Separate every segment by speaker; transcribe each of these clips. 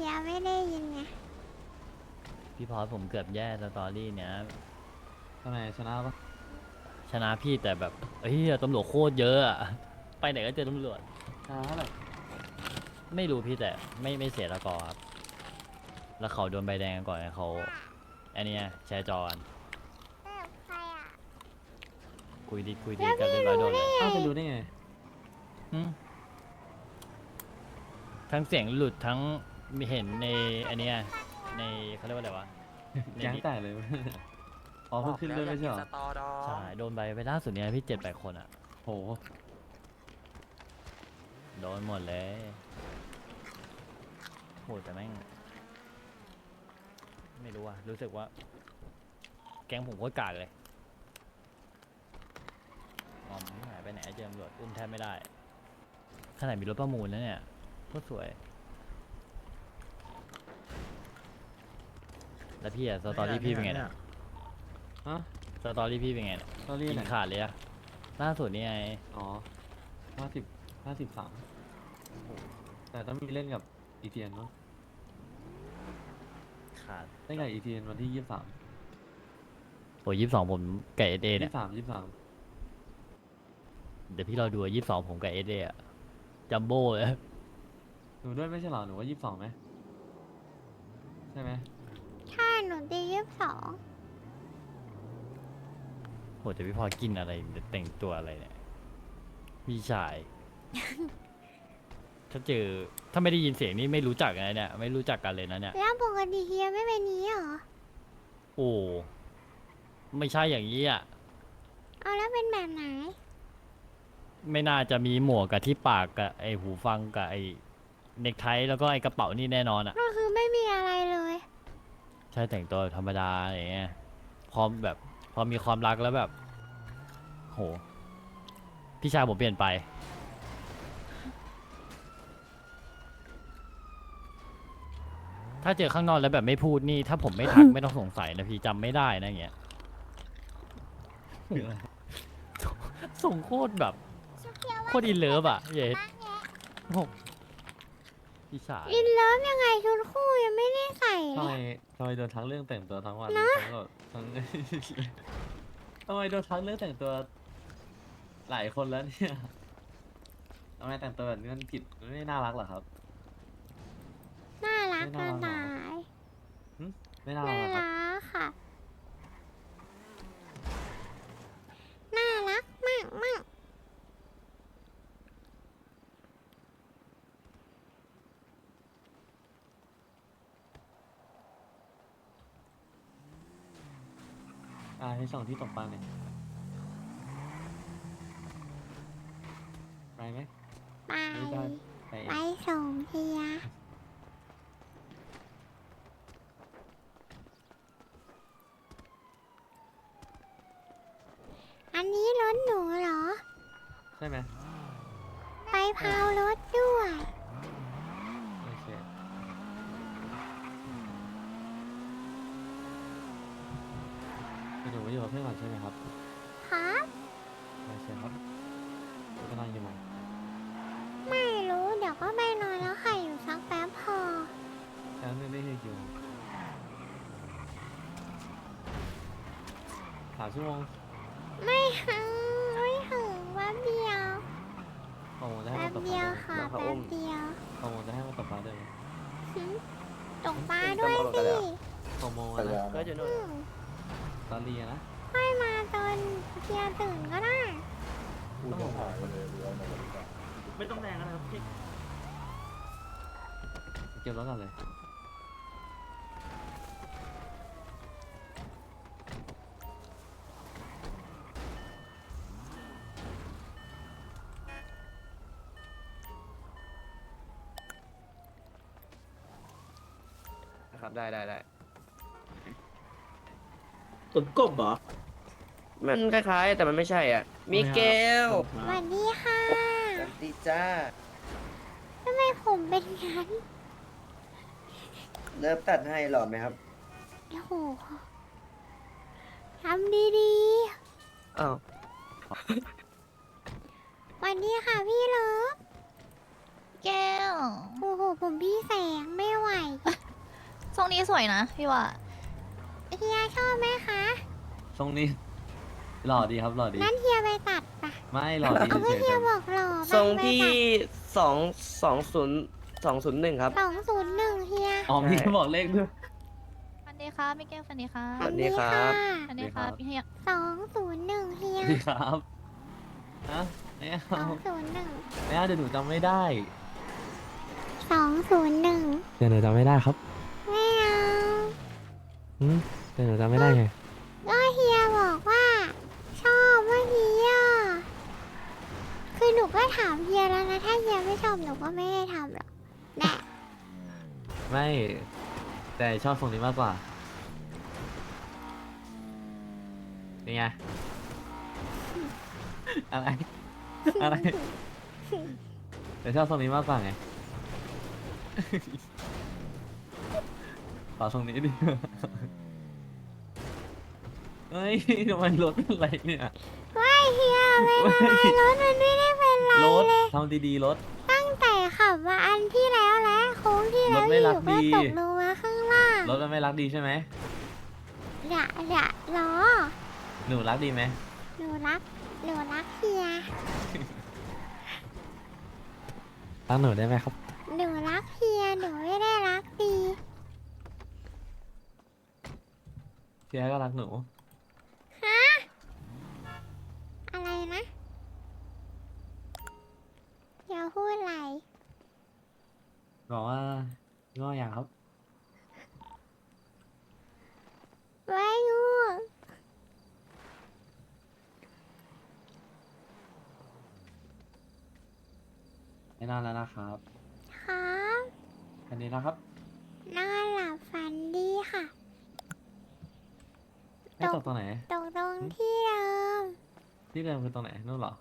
Speaker 1: ฮียไม่ได้ยินไง
Speaker 2: พี่พอสผมเกือบแย่สตอรี่เนี้ย
Speaker 3: ทำไมชนะปะ
Speaker 2: ชนะพี่แต่แบบเฮ้ยตำรวจโคตรเยอะอะไปไหนก็เจอตำรวจ
Speaker 3: ชนะเท่าไหร่
Speaker 2: ไม่รู้พี่แต่ไม่เสียตะกอครับแล้วเขาโดนใบแดงก่อนไงเขาอันเนี้ยแชร์จอกัน
Speaker 1: แบบใครอ่ะ
Speaker 2: คุยดีกันเรียบร้อยโดนเลย
Speaker 3: อ้าวไปรู้ได้ไง
Speaker 2: หึทั้งเสียงหลุดทั้งมีเห็นในอันเนี้ยในเขาเรียกว่าอะไรวะใน
Speaker 3: แก๊งแตกเลย อ๋อเพิ่งขึ้นด้วยไม่ใช่เหรอ
Speaker 4: สตอดอ
Speaker 2: ใช่โดนใบไปล่าสุดเนี้ยพี่7-8 คนอ่ะ
Speaker 3: โห
Speaker 2: โดนหมดเลยโหแต่แม่งไม่รู้อะรู้สึกว่า แก๊งผมโคตรกากเลยมอมหายไปไหนเจอตำรวจอุ้มแทบไม่ได้ขนาดมีรถประมูลแล้วเนี่ยโคตรสวย แล้วพี่อะสตอรี่พี่เป็นไงเนี่ย
Speaker 3: ฮะ
Speaker 2: สตอรี่พี่เป็นไงเนี่ย
Speaker 3: ตอนนี้
Speaker 2: กิ
Speaker 3: ไหน
Speaker 2: นขาดเลยอะล่าสุดนี่ไง
Speaker 3: อ๋อ53แต่ต้องมีเล่นกับอีเทียนเนาะ
Speaker 2: ขาด
Speaker 3: เล่นกับอีเทียนวันที่23
Speaker 2: โอ้22ผมกับเอสเอเนี่ย
Speaker 3: 23
Speaker 2: เดี๋ยวพี่เราดู22ผมกับเอสเออะจัมโบ้เลย
Speaker 3: หนูด้วยไม่ใช่เหรอ หนูว่า22ไหมใช่ไหม
Speaker 1: ใช่หนูตี22
Speaker 2: โหแต่พี่พอกินอะไรแต่งตัวอะไรเนี่ยพี่ชาย ถ้าไม่ได้ยินเสียงนี่ไม่รู้จักนะเนี่ยไม่รู้จักกันเลยนะเนี่ย
Speaker 1: แล้วปกติเฮียไม่เป็นนี้เหรอ
Speaker 2: โอ้ไม่ใช่อย่างนี้อ่ะ
Speaker 1: เอาแล้วเป็นแบบไหน
Speaker 2: ไม่น่าจะมีหมวกกับที่ปากกับไอหูฟังกับไอเน็กไทแล้วก็ไอกระเป๋านี่แน่นอนอ่ะ
Speaker 1: ก็คือไม่มีอะไรเลย
Speaker 2: ใช่แต่งตัวธรรมดาอะไรเงี้ยพร้อมแบบพอมีความรักแล้วแบบ โห พี่ชายผมเปลี่ยนไป ถ้าเจอข้างนอกแล้วแบบไม่พูดนี่ ถ้าผมไม่ทัก ไม่ต้องสงสัยนะพี่จำไม่ได้นะอย่างเงี้ย
Speaker 3: คืออะไร
Speaker 2: ส่งโคตรแบบโคตรอินเลิฟอ่ะเย็ดโอ้โหพี่ชาย
Speaker 1: อินเลิฟยังไงชุดคู่ยังไม่ได้ใส่เล
Speaker 3: ทำไม
Speaker 1: ย
Speaker 3: ทำไมโดนทั้งเรื่องแต่งตัวทั้งวันทั้งแบบทั้ง ทำไมโดนทั้งเรื่องแต่งตัวหลายคนแล้วเนี่ยทำไมแต่งตัวแบบนี้มันผิดมันไม่น่ารักเหรอครับ
Speaker 1: น่ารัก
Speaker 3: ไม่
Speaker 1: จะ
Speaker 3: น่ารักหรอ
Speaker 1: ตาย
Speaker 3: ไม่น่ารั
Speaker 1: น่าก
Speaker 3: เหรอครับ
Speaker 1: รักค่ะ น่ารักมากมาก
Speaker 3: ให้ส่งที่ตกปลาหน่อยไปไหม
Speaker 1: ไป
Speaker 3: ไม่ได้ไปเอ
Speaker 1: ไป
Speaker 3: ง
Speaker 1: ส่งเฮียอันนี้รถหนูเหรอ
Speaker 3: ใช่ไหม
Speaker 1: ไปพาวรถด้วย
Speaker 3: โอเคหนูอยู่กับเพื่อนก่อนใช่ไหมครับ
Speaker 1: ครับ
Speaker 3: โอเคครับจะนอนกี่โมง
Speaker 1: ไม่รู้ เดี๋ยวก็ไปนอนแล้วค่ะอยู่สักแป๊บพอ
Speaker 3: แค่นั้นไม่ได้กี่โมง3 ชั่วโมง
Speaker 1: ไม่ถึงไม่ถึงแป๊บเดียว
Speaker 3: โอ้โหจะให้
Speaker 1: แป๊
Speaker 3: มันตกป
Speaker 1: บเดี
Speaker 3: ลา
Speaker 1: ยว
Speaker 3: ได้ไหม
Speaker 1: ค่ะแป๊บเดียว
Speaker 3: โอ้โหจะให้มันตกปลาได้ไหม
Speaker 1: หึตกปลาด้วยสิ
Speaker 3: 6 โมงอะนะ
Speaker 4: ก็อยู่นู่น
Speaker 1: อืม
Speaker 3: ตอนเรียนนะ
Speaker 1: ค่อยมาตอนเฮียตื่นก็ได้
Speaker 3: ต้องหก
Speaker 4: ไม่ต้องแรงนะครับพี่
Speaker 3: เก็บรถก่อนเลย
Speaker 4: นะครับได้
Speaker 5: ตุนกบเหรอ
Speaker 4: มันคล้ายๆ แต่มันไม่ใช่อ่ะ มิเกล
Speaker 1: สวัสดีค่ะ
Speaker 4: สวัสดีจ้า
Speaker 1: ทำไมผมเป็นงั้น
Speaker 4: เลิฟตัดให้หล่อไหมครับ
Speaker 1: โอ้โหทำดี
Speaker 4: อ้าว
Speaker 1: ๆสวัสดีค่ะพี่เลิฟ
Speaker 6: แก้ว
Speaker 1: โอ้โห ผมพี่แสงไม่ไหว
Speaker 5: รงนี้สวยนะพี่ว่า
Speaker 1: เฮียชอบไหมคะ
Speaker 3: ทรงนี้หล่อดีครับหล่อดี
Speaker 1: นั่นเฮียไปตัดปะ
Speaker 3: ไม่หล่อดี
Speaker 1: เอาก็
Speaker 3: เฉย
Speaker 1: เฮีย
Speaker 3: ๆ
Speaker 1: บอกหล่อ
Speaker 4: ทรง
Speaker 1: ไป
Speaker 4: ที่
Speaker 1: ตัด
Speaker 4: 201ครับ
Speaker 1: 201เฮีย
Speaker 3: อ๋อมีเขาบอกเลขด้วย
Speaker 5: ฟันดีครับมิเกลฟันดีครับ
Speaker 4: สวัสดีครับ
Speaker 5: ฟันดีครับพี่เฮีย
Speaker 1: 201เฮีย
Speaker 3: ดีครับฮะไม่เอา
Speaker 1: 201
Speaker 3: ไม่เอาเดี๋ยวหนูจำไม่ได้
Speaker 1: 201
Speaker 3: เดี๋ยวหนูจำไม่ได้ครับ
Speaker 1: ไม่เอา
Speaker 3: เดี๋ยวหนูจำไม่ได้ไง
Speaker 1: ก็เฮียบอกว่า ชอบว่าเฮียคือหนูก็ถามเฮียแล้วนะถ้าเฮียไม่ชอบหนูก็ไม่ให้ทำหรอกแน่
Speaker 3: ไม่ แต่ชอบทรงนี้มากกว่านี่ไง อะไร อะไร แต่ชอบทรงนี้มากกว่าไง ขอทรงนี้ดิ เฮ้ยทำไมรถเป็นไรเนี่ย
Speaker 1: ไม่เฮียไม่เป็นไรรถมันไม่ได้เป็นไร
Speaker 3: รถ
Speaker 1: เลย
Speaker 3: ทำดีๆรถ
Speaker 1: ตั้งแต่ขับมาอันที่แล้วและโค้งที่แล้ว
Speaker 3: รถไม่
Speaker 1: อ
Speaker 3: รั
Speaker 1: ยู่
Speaker 3: ก
Speaker 1: ก็
Speaker 3: ดี
Speaker 1: ตกลงมาข้างล่าง
Speaker 3: รถมันไม่รักดีใช่ไหม
Speaker 1: อย่าล้อ
Speaker 3: หนูรักดีไหม
Speaker 1: หนูรักเฮีย
Speaker 3: รักหนูได้ไหมครับ
Speaker 1: หนูรักเฮียหนูไม่ได้รักดี
Speaker 3: เชียร์ก็รักหนู
Speaker 1: ฮะอะไรนะอย่าพูดอะไร
Speaker 3: บอกว่าง้ออย่างครับ
Speaker 1: ไม่ง่วง
Speaker 3: ไม่นอนแล้วนะครับ
Speaker 1: ครับ
Speaker 3: อันนี้นะครับ
Speaker 1: นอนหลับฝันดีค่ะ
Speaker 3: ให้ตกตรงไหน
Speaker 1: ตรงที่เดิม
Speaker 3: ที่เดิมคือตรงไหนนู่นเหรอ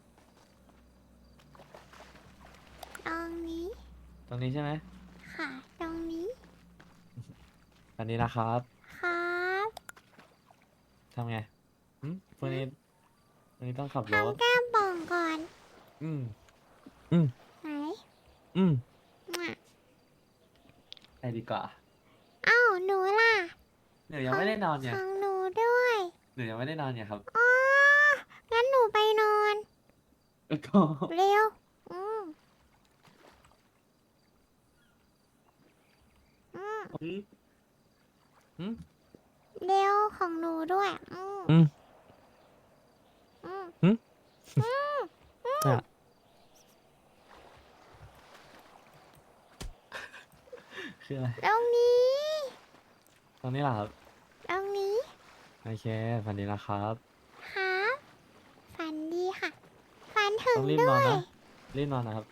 Speaker 1: ตรงนี้
Speaker 3: ตรงนี้ใช่ไหม
Speaker 1: ค่ะ ตรงนี้
Speaker 3: อันนี้นะครับ
Speaker 1: ครับ
Speaker 3: ทำไงวันนี้ต้องขับรถ
Speaker 1: ทำแก้มป่องก่อน
Speaker 3: อืม
Speaker 1: ไหน
Speaker 3: อืม
Speaker 1: มา
Speaker 3: ไปดีกว่า
Speaker 1: เอ้าหนูล่ะ
Speaker 3: หนูยังไม่ได้นอน
Speaker 1: ข
Speaker 3: เนี่ย
Speaker 1: องหนูด้วย
Speaker 3: หนูยังไม่ได้นอนเนี่ยครับ
Speaker 1: อ๋องั้นหนูไปนอน
Speaker 3: ก็
Speaker 1: เร็ว อืม
Speaker 3: อืม
Speaker 1: เร็วของหนูด้วย
Speaker 3: อืม
Speaker 1: อืม
Speaker 3: อืม
Speaker 1: อืม
Speaker 3: อ่ะ คืออะไร
Speaker 1: ตรงนี้
Speaker 3: ตรงนี้เหรอครับ
Speaker 1: ตรงนี้
Speaker 3: โอเคฝันดีนะครับ
Speaker 1: ครับฝันดีค่ะ ฝันถึง
Speaker 3: ต้องรีบ
Speaker 1: ด้
Speaker 3: นอ
Speaker 1: วน ย
Speaker 3: นะ รีบนอนนะครับ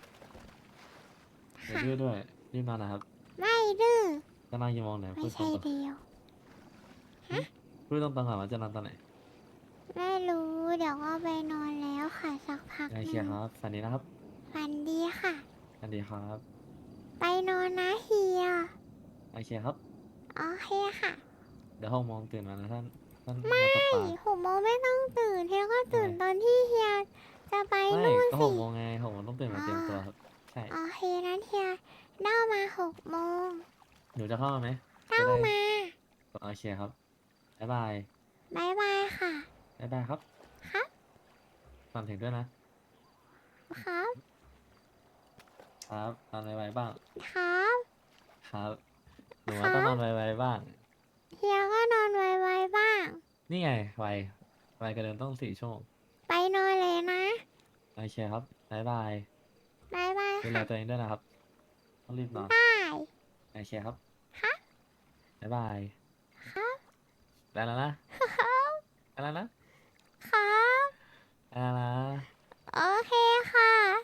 Speaker 3: เดี๋ยวดื้อด้วย รีบนอนนะครับ
Speaker 1: ไม่ดื้อ
Speaker 3: จะนอนกี่โมงเนี่ย
Speaker 1: ไม่
Speaker 3: พูดตร
Speaker 1: ใช่
Speaker 3: ง
Speaker 1: เดียว
Speaker 3: ๆพูดตรงๆก่อนว่าจะนอนตอนไหน
Speaker 1: ไม่รู้ เดี๋ยวก็ไปนอนแล้วค่ะสักพักห
Speaker 3: โอ
Speaker 1: นึ
Speaker 3: เค
Speaker 1: ง
Speaker 3: ครับฝันดีนะครับ
Speaker 1: ฝันดีค่ะ
Speaker 3: ฝันดีครับ
Speaker 1: ไปนอนนะเฮีย
Speaker 3: โอเคครับ
Speaker 1: โอเคค่ะ
Speaker 3: เดี๋ยว6 โมงตื่นมานะท่านมาตกปลา
Speaker 1: 6 โมงไม่ต้องตื่นเฮียก็ตื่น
Speaker 3: ทำไม
Speaker 1: ตอนที่เฮียจะไป
Speaker 3: ไม่
Speaker 1: นู่น
Speaker 3: ก็
Speaker 1: สิ
Speaker 3: 6 โมงไง6 โมงต้องตื่นมาเตรียมตัวครับ ใช่
Speaker 1: โอเคนั้นเฮียเล่ามา6 โมง
Speaker 3: หนูจะเข้ามาไหม
Speaker 1: เล่า
Speaker 3: จะได้
Speaker 1: มา
Speaker 3: โอเคครับ บ๊ายบาย
Speaker 1: บายบายค่ะ
Speaker 3: บ๊ายบายครับ
Speaker 1: ครับ
Speaker 3: ฝันถึงด้วยนะ
Speaker 1: ครับ
Speaker 3: ครับนอนไวๆบ้าง
Speaker 1: ครับ
Speaker 3: ครับ หนูว่าต้องนอนไวๆบ้าง
Speaker 1: เฮียก็นอนไวๆบ้าง
Speaker 3: นี่ไงไวกระเดินต้อง4 ชั่วโมง
Speaker 1: ไปนอนเลยนะ
Speaker 3: โอเคครับ บ๊ายบาย
Speaker 1: บายบาย
Speaker 3: ดูแล
Speaker 1: ค่ะ
Speaker 3: ตัวเองด้วยนะครับ ต้องรีบนอน
Speaker 1: ได้
Speaker 3: โอเคครับ
Speaker 1: ครับ
Speaker 3: บ๊ายบาย
Speaker 1: ครับ
Speaker 3: ได้แล้วนะ
Speaker 1: ครับ
Speaker 3: ได้แล้วนะ
Speaker 1: ครับ
Speaker 3: ได้แล้วนะ
Speaker 1: โอเคค่ะ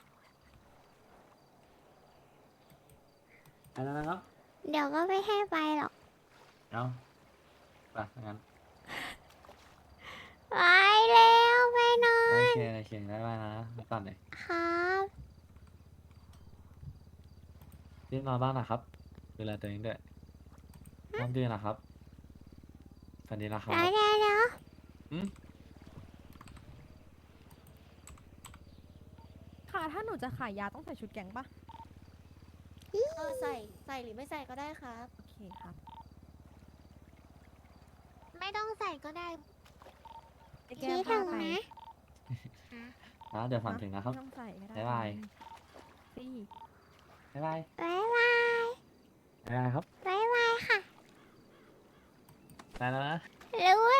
Speaker 3: ได้แล้วนะครับ
Speaker 1: เดี๋ยวก็ไม่ให้ไปหรอก
Speaker 3: เอาไปงั้น
Speaker 1: ไปเร็วไปนอ
Speaker 3: โอน เคบ๊ายบายนะไปก่อนเลย
Speaker 1: ครับ
Speaker 3: รีบนอนบ้างนะครับ ดูแลตัวเองด้วยน้องดื้อนะครับฝันดีนะครับ
Speaker 1: เดี๋ยว
Speaker 3: อืม
Speaker 6: ค่ะ ถ้าหนูจะขายยาต้องใส่ชุดแก๊งปะ
Speaker 7: ใส่หรือไม่ใส่ก็ได้ครับ
Speaker 6: โอเคเคครับ
Speaker 1: ไม่ต้องใส่ก็ได้
Speaker 6: ไอ้
Speaker 1: คิ
Speaker 6: แก้
Speaker 1: ด
Speaker 6: ว
Speaker 1: ถึ
Speaker 6: พาง ไป
Speaker 1: นะ
Speaker 3: นะเดี๋ยวฝันถึงนะครับ
Speaker 6: ไม่ต้องใส่ก็ได้
Speaker 3: บ๊ายบาย
Speaker 6: สิ
Speaker 3: บ๊ายบาย
Speaker 1: บ๊ายบาย
Speaker 3: บ๊ายบายครับ
Speaker 1: บ๊ายบายค่ะ
Speaker 3: ไปแล้วนะ
Speaker 1: รู้